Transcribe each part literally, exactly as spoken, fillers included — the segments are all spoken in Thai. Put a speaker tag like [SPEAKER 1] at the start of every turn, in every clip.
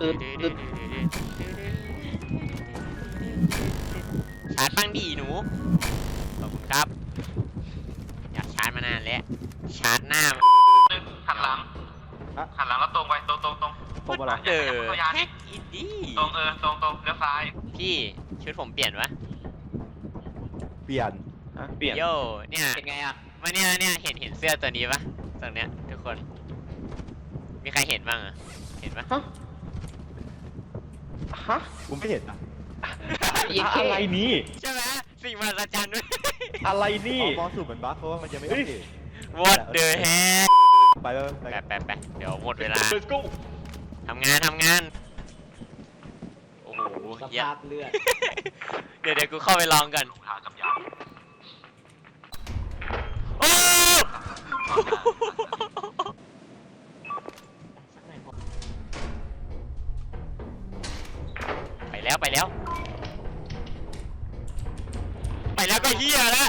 [SPEAKER 1] ตึ๊ดตึ๊ด
[SPEAKER 2] ชาร์จบ้างดีหนูขอบคุณครับอยากชาร์จมานานแล้วชาร์จหน้า
[SPEAKER 3] หันหลังหันหลังแล้วตรงไปตรงตรงตรง
[SPEAKER 1] ตรงอะไร
[SPEAKER 2] เดอ
[SPEAKER 3] เขายา
[SPEAKER 2] แฮ
[SPEAKER 3] ดิ
[SPEAKER 2] กอินดี้
[SPEAKER 3] ตรงเออตรงตรงเลี้ยวซ้าย
[SPEAKER 2] พี่ชุดผมเปลี่ยนวะ
[SPEAKER 1] เปลี่ยน
[SPEAKER 4] เปลี่ยน
[SPEAKER 2] โย่เนี่ย
[SPEAKER 4] เป็นไงอ่ะ
[SPEAKER 2] มาเนี่ยเนี่ยเห็นเห็นเสื้อตัวนี้ปะตรงเนี้ยทุกคนมีใครเห็นบ้างอะเห็นปะ
[SPEAKER 1] ฮะฮะผมไม่เห็นอะ
[SPEAKER 4] อะไรนี่
[SPEAKER 2] ใช่ไหมสิ่งมหัศจรรย์ด้วย
[SPEAKER 4] อะไรนี่
[SPEAKER 1] อ๋อมองสูตรเหมือนบั๊กเพราะว่ามันยังไม่โอเค
[SPEAKER 2] What the heck
[SPEAKER 1] ไปไปไป
[SPEAKER 2] แปะแปะแปะเดี๋ยวหมดเวลา
[SPEAKER 4] Let's go
[SPEAKER 2] ทำงานทำงานโอ้โห
[SPEAKER 4] ส
[SPEAKER 2] เหี้ย
[SPEAKER 4] ภาพเลือด
[SPEAKER 2] เดี๋ยวเดี๋ยวกูเข้าไปลองกัน
[SPEAKER 3] หากับยา
[SPEAKER 2] โอ้ไปแล้วไปแล้วไปแล้วก็เฮียแล้ว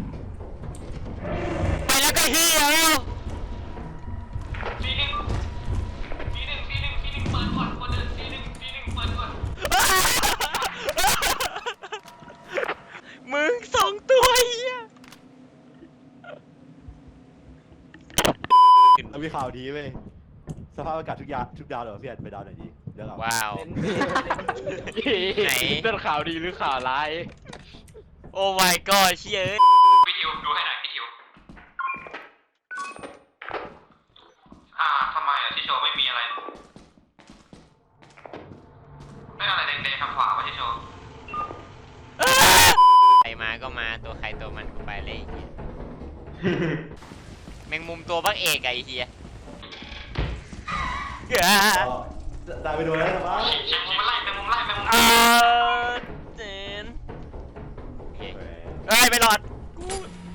[SPEAKER 2] ไปแล้วก็เฮียแล้ว
[SPEAKER 3] ซีหนึ่งซีหนึ่งซีหนึ่งซีหนึ่งเปิดก่อนคนเดินซีหนึ่งซีหนึ่งเปิดก่อน
[SPEAKER 2] มึงสองตัวเฮีย
[SPEAKER 1] เรามีข่าวดีเว้ยสภาพอากาศทุกยาทุกดาวเลยพี่แอนไปดาวไหนดีเดี๋ยวเรา
[SPEAKER 2] ว้าว ไหน
[SPEAKER 4] เป็นข่าวดีหรือข่าวร้าย
[SPEAKER 2] โอ้ my god เชี่ยเอ้ย
[SPEAKER 3] พี่ทิวดูให้หน่อยพี่ทิวอ่าทำไมอ่ะที่โชว์ไม่มีอะไรไม่อะไรแดงๆทางขวาวะที่โชว์
[SPEAKER 2] ใครมาก็มาตัวใครตัวมันกูไปเลยไอ้เฮียแมงมุมตัวบักเอกอะไอ้เฮีย
[SPEAKER 1] ได้ไปดูแล้วนะบ้า
[SPEAKER 3] แมงมุมมันไล่แมงมุมไล่แมงมุม
[SPEAKER 2] อ่าเจนโอเคเอ้ยไม่รอดกู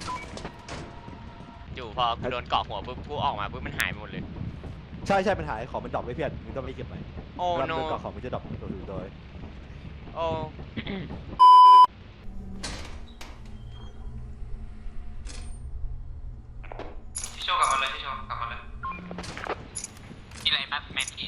[SPEAKER 2] อยู่พอกูโดนเกาะหัวปุ๊บกูออกมาปุ๊บมันหายไปหมดเลย
[SPEAKER 1] ใช่ใช่มันหายของมันดรอปไม่พี่แอนมึงต้องไม่เก็บไป
[SPEAKER 2] โอ้
[SPEAKER 1] รับ
[SPEAKER 2] โน
[SPEAKER 1] เรื่องก่อนของมันจะดรอปตัวอื่นโดย
[SPEAKER 2] โอ้
[SPEAKER 3] ที่โชว์กลับมาเลยที่โชว์กลับมาเลยมีอะไรบ้างแมนที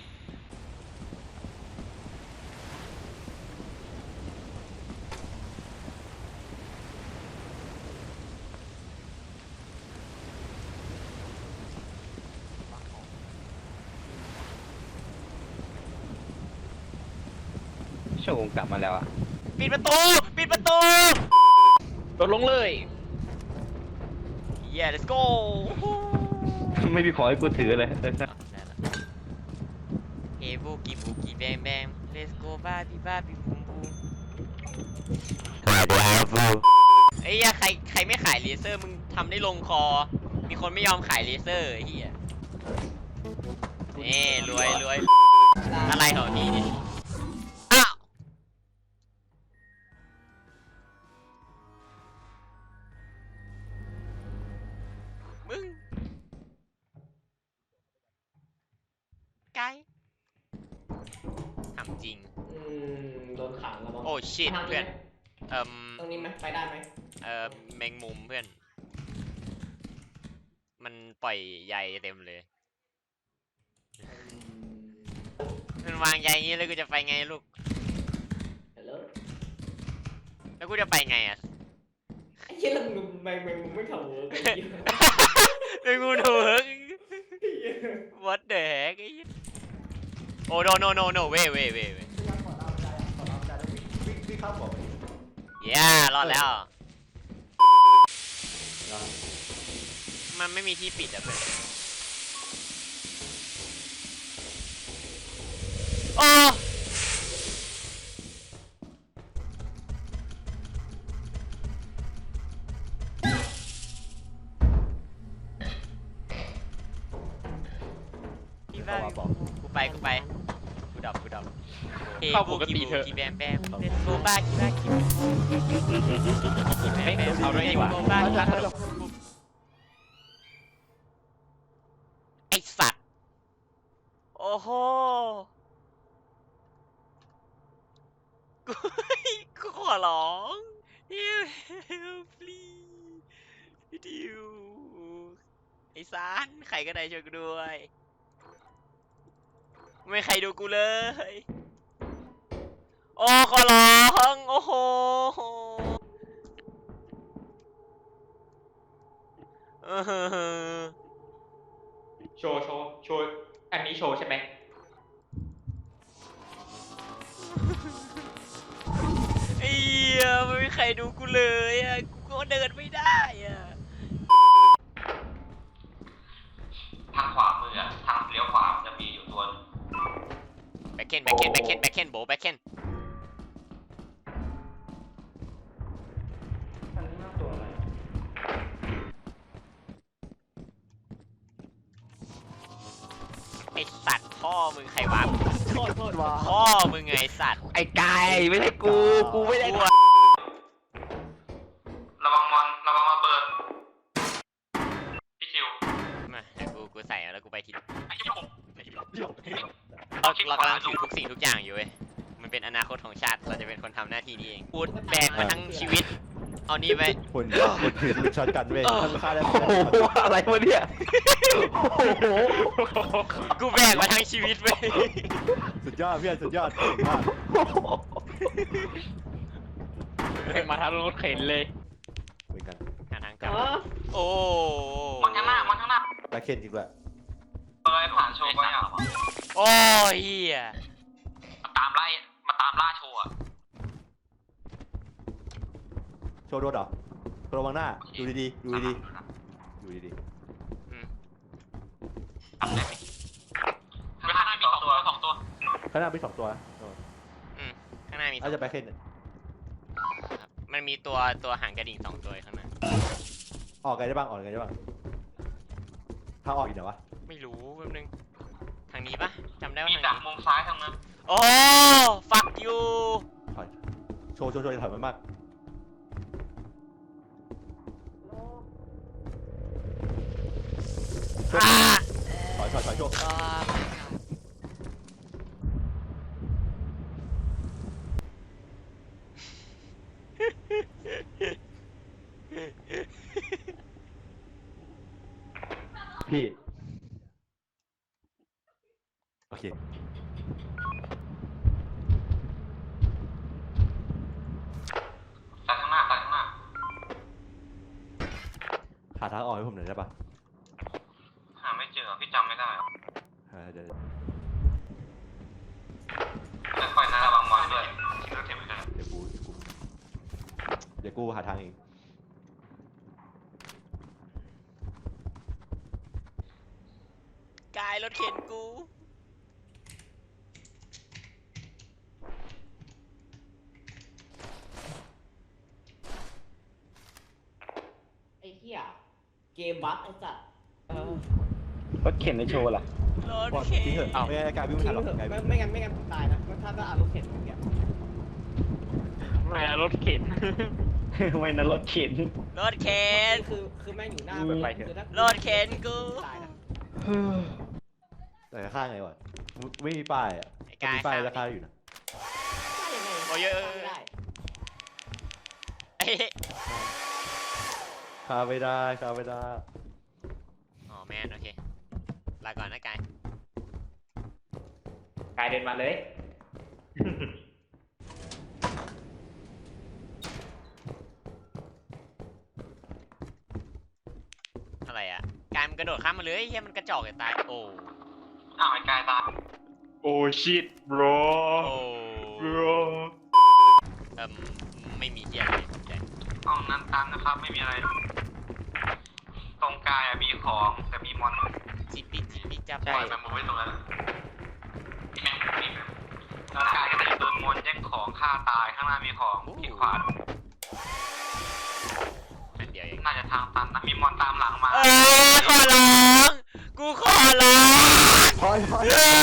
[SPEAKER 4] โชว์กลับมาแล้วอ่ะ
[SPEAKER 2] ปิดประตูปิดประตู
[SPEAKER 4] โดดลงเลย
[SPEAKER 2] เย้ let's go
[SPEAKER 4] ไม่มีของให้กูถือเลย
[SPEAKER 2] ได้ละเฮ้บูกี้บูกี้แบงแบง let's go บ้าบีบ้าบีบูมบูมไอ้เหี้ยใครใครไม่ขายเลเซอร์มึงทำได้ลงคอ มีคนไม่ยอมขายเลเซอร์ไอ้เหี้ยนี่รวยรวยอะไรของพี่เนี่ยอ้าวมึงไกด์ถามจริง
[SPEAKER 5] อืมโดนขังแล้วมั้ง
[SPEAKER 2] โอ้ชิตเพื่อนเอ่ม
[SPEAKER 5] ตรงนี้ไหมไปได้ไหม
[SPEAKER 2] เอ่อแมงมุมเพื่อน มันปล่อยใยเต็มเลย มันวางใยอย่างนี้แล้วกูจะไปไงลูก
[SPEAKER 5] ฮัลโหล
[SPEAKER 2] แล้วกูจะไปไงอ่ะ
[SPEAKER 5] ไอ้เหี้ยแล้วมึงแมงแมงมึงไม่ทำเวิร์กไอ้เหี้ย
[SPEAKER 2] แมงมุมถูก What the heck ไอ้เหี้ยโอ้ no no no no wait wait wait wait
[SPEAKER 1] วิ่งวิ่งข้ามของ
[SPEAKER 2] yeah รอดแล้ว มันไม่มีที่ปิดอ่ะเพื่อนโอ้พี่บ้า
[SPEAKER 1] บอกบอก
[SPEAKER 2] กูไปกูไปกูดับกูดับ
[SPEAKER 4] เข้าปกติเถอะ
[SPEAKER 2] กีแบมแบมเล่นโบบ้ากีบ้ากีแบมแบม
[SPEAKER 4] เอาด้วยดีกว่า
[SPEAKER 2] โบบ้ากีบ้าไอสัตว์โอ้โหกูกูขอร้อง help please พี่ดิวไอซานใครก็ได้ช่วยกูด้วยไม่มีใครดูกูเลย โอ้ขอร้องโอ้โหเออ
[SPEAKER 3] โชว์โชว์โชว์อันนี้โชว์ใช่ไหม
[SPEAKER 2] ไอ้เหี้ยไม่มีใครดูกูเลยอ่ะกูก็เดินไม่ได้อ่ะ
[SPEAKER 3] ทางขวามืออะทางเลี้ยวขวาจะมีอยู่ตัว
[SPEAKER 2] แบ็คเคนแบ็คเคนแบ็คเคนแบ็คเคนโบแบ็คเคน
[SPEAKER 5] อันนี้น่าตัวอะไร
[SPEAKER 2] ไอสัตว์พ่อมึงใครวะ
[SPEAKER 5] โทษโทษ
[SPEAKER 1] ว้า
[SPEAKER 2] พ่อมึงไงไอ้สัตว์
[SPEAKER 4] ไอ้ไก่ไม่ใช่กู กูไม่ได้
[SPEAKER 2] กู
[SPEAKER 4] ท
[SPEAKER 2] อะ
[SPEAKER 3] ระวังมอนระวังระเบิดพี่คิว
[SPEAKER 2] มาเดี๋ยวกูกูใส่แล้วกูไปที
[SPEAKER 3] ไอ้ที่ผม
[SPEAKER 2] เราเรากำลังถือทุกสิ่งทุกอย่างอยู่เว้ยมันเป็นอนาคตของชาติเราจะเป็นคนทำหน้าที่นี้เองพูดแบกมาทั้งชีวิต เอานี่ไป
[SPEAKER 1] คนคนถือปืนช็อตกันเว้ยถ้าฆ่าได้
[SPEAKER 4] ำโอ้โหอะไรวะเนี่ย โอ้โห
[SPEAKER 2] กูแบกมาทั้งชีวิตเว้ย
[SPEAKER 1] สุดยอดเพื่อนสุดยอดเก่งมาก
[SPEAKER 4] เป็นมาทางรถเข็นเลย
[SPEAKER 1] เหมือนกัน
[SPEAKER 2] หาทางกลับ
[SPEAKER 5] อ๋อ
[SPEAKER 2] โอ้
[SPEAKER 3] มอนข้างหน้ามอนข้างหน้า
[SPEAKER 1] แบ็คเคนจริงด้วย
[SPEAKER 3] เลยผ่านโชว์ไปอ่ะ
[SPEAKER 2] โอ้เฮีย
[SPEAKER 3] มาตามไล่มาตามล่าโชว์อะ
[SPEAKER 1] โชว์โดนเหรอระวังหน้าดูดีๆดูดีๆดูดี
[SPEAKER 2] อืม
[SPEAKER 3] ทำได้ไหมข้างหน้ามีสองตัวสองตัว
[SPEAKER 1] ๆข้างหน้ามีสองตัวนะ
[SPEAKER 2] อืมข้างหน้ามีสอ
[SPEAKER 1] น่าง จะแบ็คเคน
[SPEAKER 2] ครับมันมีตัวตัวหางกระดิ่งสองตัวอยู่ข้างหน้า
[SPEAKER 1] ออกไงได้บ้างออกไงได้บ้างทางออกอยู่ไหนวะ
[SPEAKER 2] ไม่รู้แป๊บนึงทางนี้ปะจำได้ว่า
[SPEAKER 3] มี
[SPEAKER 2] ทาง
[SPEAKER 3] จาก
[SPEAKER 2] นี้
[SPEAKER 3] มุมซ้ายทางนั้น
[SPEAKER 2] โอ้ฟักยู
[SPEAKER 1] ถอยโชว์โชว์โชว์อย่าถอยมันมากถอยถอยถอยโชว์พี่โอเค
[SPEAKER 3] ซ้ายข้างหน้าซ้ายข้างหน้า
[SPEAKER 1] หาทางออกให้ผมหน่อยได้ปะ
[SPEAKER 3] หาไม่เจอพี่จำไม่ได้
[SPEAKER 1] เออเดี๋ยว
[SPEAKER 3] ค่อยๆนะระวังมอนด้วยเลือกเก็บไว้กัน
[SPEAKER 1] เดี๋ยวกูเดี๋ยวกูหาทางเอง
[SPEAKER 2] กายรถเข็นกู
[SPEAKER 5] ไอ้เหี้ยเกมบั๊กไอ้สัตว์เออ
[SPEAKER 4] รถเข็นในโชว์ล่ะ
[SPEAKER 2] รถ
[SPEAKER 1] บอล
[SPEAKER 2] เข็น
[SPEAKER 1] ทิ้งเถอะไม่งั้นกลายวิ่งไม่
[SPEAKER 5] ทิ้
[SPEAKER 1] ทัน
[SPEAKER 5] ง
[SPEAKER 1] หรอก
[SPEAKER 5] เถอะ
[SPEAKER 1] กลาย
[SPEAKER 5] ไม่
[SPEAKER 1] วิ่ง
[SPEAKER 5] ไม่งั้นไม่งั้นผมตายนะถ้าถ้าอ่านรถเข็นอย่างเงี้ย
[SPEAKER 4] ไม่นะรถเข็น ไม่นะรถเข็น
[SPEAKER 2] รถเข็น
[SPEAKER 5] คือคือแม่งอยู่หน้า
[SPEAKER 4] ไปไปเถอะ
[SPEAKER 5] คือถ้าร
[SPEAKER 2] ถเข็นกู
[SPEAKER 5] ตายนะ
[SPEAKER 1] แต่ข้างไงวะไม่มีป้ายอ่ะ
[SPEAKER 2] ไอ้
[SPEAKER 1] ถ้าก
[SPEAKER 2] าย
[SPEAKER 1] มีป้าย
[SPEAKER 2] ข้าม
[SPEAKER 1] ราคาอยู่นะ
[SPEAKER 5] ได้ยังไง
[SPEAKER 2] โอ้ยเยอะ
[SPEAKER 5] ไม่ได้
[SPEAKER 2] เอ้ย
[SPEAKER 1] คาไม่ได้คาไม่ได้
[SPEAKER 2] อ๋อแมนโอเคลาก่อนนะกาย
[SPEAKER 3] กายเดินมาเลย
[SPEAKER 2] อะไรอ่ะกายมันกระโดดข้ามมาเลยเฮียมันกระจอกจะตายโอ้
[SPEAKER 3] อ้าวไอ้กายตาย
[SPEAKER 4] โอ้ชิต bro
[SPEAKER 2] โอ้
[SPEAKER 4] bro
[SPEAKER 2] เอิ่มไม่มีเฮียอะไรสนใจ
[SPEAKER 3] เอานั้นตามนะครับไม่มีอะไร ตรงกายอะมีของแต่มีมอน
[SPEAKER 2] จิปปี้จิปปี้จับ
[SPEAKER 3] ปล่อยแมมมูไว้ตรงนั้นมีแมมมูมีตรงกายก็จะโดนมอนแย่งของฆ่าตายข้างหน้ามีของที่ขวา
[SPEAKER 2] อันเดียวเอง
[SPEAKER 3] น่าจะทางตันนะมีมอนตามหลังมา
[SPEAKER 2] เออขอร้องกูขอร้อง
[SPEAKER 1] ถอยถอย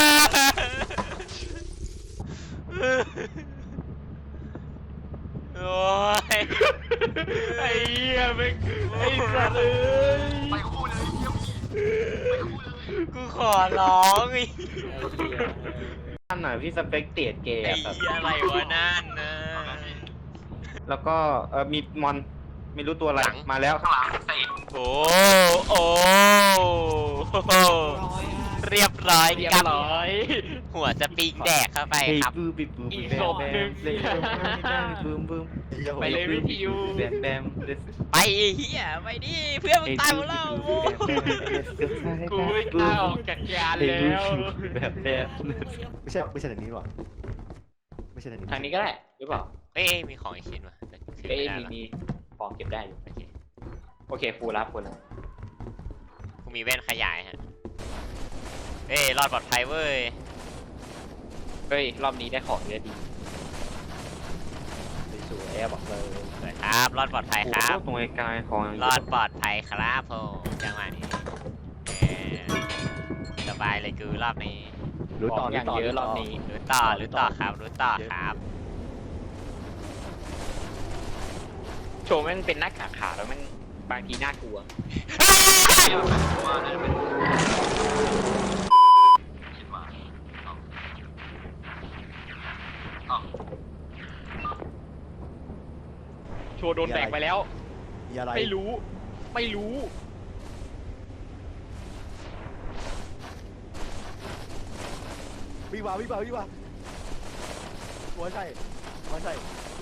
[SPEAKER 2] โอ้ย
[SPEAKER 4] ไอ้เหี้ยไม่ไอ้สัตว์เอ้ย
[SPEAKER 3] ไปคู่เลยเยี่ยมไปคู่เลย
[SPEAKER 2] กูขอร้องไอ้
[SPEAKER 4] นั่นน่ะพี่สเปกเตียดเกย์
[SPEAKER 2] ไอ้
[SPEAKER 4] อะครับ
[SPEAKER 2] เหี้ยอะไรวะนั่นนะ
[SPEAKER 4] แล้วก็เออมีมอนไม่รู้ตัวอะไร
[SPEAKER 2] หลัง
[SPEAKER 4] มาแล้ว
[SPEAKER 3] ข้างหลังเตะ
[SPEAKER 2] โอ้โอ้
[SPEAKER 5] ร้อยอะ
[SPEAKER 2] เรียบร้อย
[SPEAKER 4] เรียบ
[SPEAKER 2] กับ
[SPEAKER 4] ร้อย
[SPEAKER 2] หัวสปริงแดกเข้าไปครับ
[SPEAKER 6] บูมบูม
[SPEAKER 4] อีก
[SPEAKER 6] แบ
[SPEAKER 4] ศ
[SPEAKER 6] ม
[SPEAKER 4] พ
[SPEAKER 6] แบ
[SPEAKER 4] หนึ่
[SPEAKER 6] ม
[SPEAKER 4] ง
[SPEAKER 6] เลยบูมบูม
[SPEAKER 4] ไปเลยวิทยุ
[SPEAKER 6] แบมแบม
[SPEAKER 2] ไปไอ้เฮียไปดิเพื่อนมึงตายหมดแล้วโว้ย
[SPEAKER 4] กูไม่กล้าออกจากยานแล้ว
[SPEAKER 6] แบบแบบ
[SPEAKER 1] ไม่ใช่ไม่ใช่ทางนี้หรอไม่ใช่ทางนี้
[SPEAKER 4] ทางนี้ก็ได้หรือเปล่า
[SPEAKER 2] เอ้ยมีของอีกชิ้นวะแต่ขึ้น
[SPEAKER 4] เอ้ย
[SPEAKER 2] ไม่ได้
[SPEAKER 4] มี
[SPEAKER 2] หรอ
[SPEAKER 4] มีของเก็บได้อยู่
[SPEAKER 2] โอเค
[SPEAKER 4] โอเคฟูรับฟูรับ
[SPEAKER 2] กูมีแว่นขยายฮะเอ้ยรอดปลอดภัยเว้ย
[SPEAKER 4] เฮ้ยรอบนี้ได้ของเยอะดีสวยๆอะบอกเลย
[SPEAKER 2] สวยครับรอดปลอดภัยครับ
[SPEAKER 6] ตรงไอ้กายของ
[SPEAKER 2] รอดปลอดภัยครับผมจังหวะนี้เอ้ยสบายเลยกูรอบนี้
[SPEAKER 1] รู้
[SPEAKER 4] ข
[SPEAKER 1] ต่อ
[SPEAKER 4] องอ
[SPEAKER 1] รู้
[SPEAKER 4] ย่าง
[SPEAKER 1] ต่อ
[SPEAKER 4] เยอะ
[SPEAKER 1] รู้
[SPEAKER 4] ร
[SPEAKER 1] ต่
[SPEAKER 4] อ
[SPEAKER 1] อบ
[SPEAKER 4] นี้
[SPEAKER 2] รู้ต่อรู้ต่อครับรู้ต่อครับ
[SPEAKER 4] โชว์แม่งเป็นหน้ากากขาวแล้วแม่งบางทีน่ากลัว
[SPEAKER 3] เดี๋ยวว่าน่าจะเป็นคิดว่าเอาเอา
[SPEAKER 4] โชว์โดนแบกไปแล้ว
[SPEAKER 1] มีอะไร
[SPEAKER 4] ไม่รู้ ไม่รู้
[SPEAKER 1] วิ่งมาวิ่งมาวิ่งมาหัวใช่หัวใช่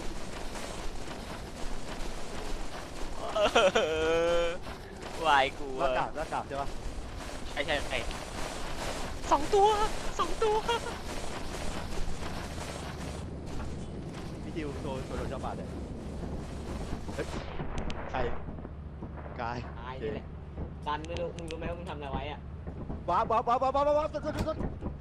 [SPEAKER 2] วายกู
[SPEAKER 1] หน้ากากหน้ากากใช่ปะ
[SPEAKER 4] ใช่ใช่ใช่
[SPEAKER 2] สองตัวสองตัว
[SPEAKER 1] พี่ทิวโชว์โชว์โดนเจ้าบาทเลยเฮ้ยใครกาย
[SPEAKER 5] ตายนี่แหละซันไม่รู้มึงรู้ไหมว่ามึงทำอะไรไว้อะ
[SPEAKER 1] ว้าวว้าวว้าวว้าวว้าวว้าวสุดสุดสุด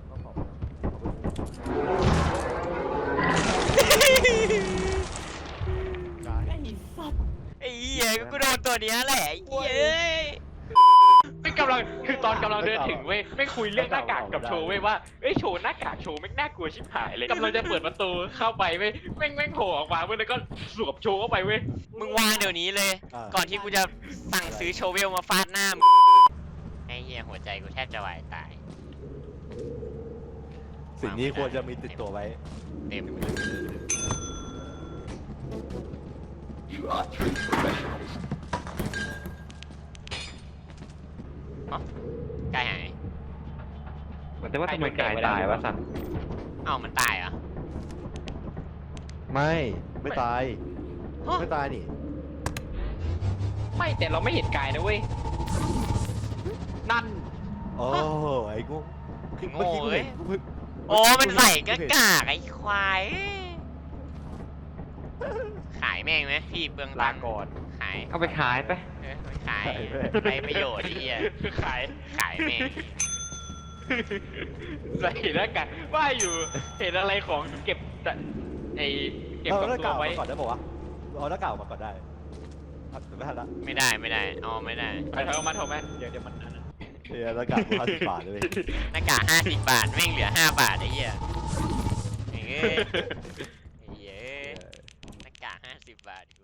[SPEAKER 1] กาย
[SPEAKER 5] ไอ้สัตว์
[SPEAKER 2] ไอ้เหี้ยกูโดนตัวเนี้ยแหละไอ้เหี้ยเอ้ย
[SPEAKER 4] ไม่กำลังคือตอนกำลังเดินถึงเว้ยไม่คุยเรื่องหน้ากากกับโชว์เว้ยว่าเอ้ยโชว์หน้ากากโชว์แม่งน่ากลัวชิบหายเลยกำลังจะเปิดประตูเข้าไปเว้ยแม่งแม่งโผล่ออกมาเว้ยแล้วก็สวมโชว์เข้าไปเว้ย
[SPEAKER 2] มึงวางเดี๋ยวนี้เลย
[SPEAKER 1] อ่า
[SPEAKER 2] ก่อนที่กูจะสั่งซื้อโชเวลมาฟาดหน้ามึงไอ้เหี้ยหัวใจกูแทบจะวายตาย
[SPEAKER 1] สิ่งนี้ควรจะมีติดตัวไว้
[SPEAKER 2] เต็มอ๋อกายหาย
[SPEAKER 6] แต่ว่าทำไมกายตายวะสัน
[SPEAKER 2] เอ้ามันตายเหรอ
[SPEAKER 1] ไม่ไม่ตาย
[SPEAKER 2] ฮะ
[SPEAKER 1] ไม่ตายนี่
[SPEAKER 4] ไม่แต่เราไม่เห็นกายนะเว้ยนั่น
[SPEAKER 1] โอ้ไอ้งู
[SPEAKER 2] โง่เอ้ย
[SPEAKER 1] เมื่อ
[SPEAKER 2] โอ้มันใส่กากากไอ้ควายขายแม่งไหมพี่เปลือง
[SPEAKER 4] ลา
[SPEAKER 2] ตังค์
[SPEAKER 4] ก่อน
[SPEAKER 2] ขาย
[SPEAKER 6] เอาไปขายไป
[SPEAKER 2] เออไปขายไปประโยชน์ไอ้เหี้ย
[SPEAKER 4] ขาย
[SPEAKER 2] ขายแม่ง
[SPEAKER 4] ใส่หน้ากากว่าอยู่เห็นอะไรของเก็บแต่ไอเก็บ
[SPEAKER 1] เอา
[SPEAKER 4] กับ
[SPEAKER 1] หน้า
[SPEAKER 4] ตั
[SPEAKER 1] กาว ก
[SPEAKER 4] ไว้
[SPEAKER 1] มาก่อนได้ป่าวะเอาหน้ากากออกมาก่อนได้อ่ะไม่ทันละ
[SPEAKER 2] ไม่ได้ไม่ได้เอาไม่ได้
[SPEAKER 4] ไปถอยออกมาถอยออกมาเดี๋ยวเดี๋ยวมันอันนั้น
[SPEAKER 1] เฮียหน้ากากห้าสิบบาทเลย
[SPEAKER 2] หน้ากากห้าสิบบาทแม่งเหลือห้าบาทไอ้เหี้ยเอ้ยไอ้เหี้ยหน้ากากห้าสิบบาท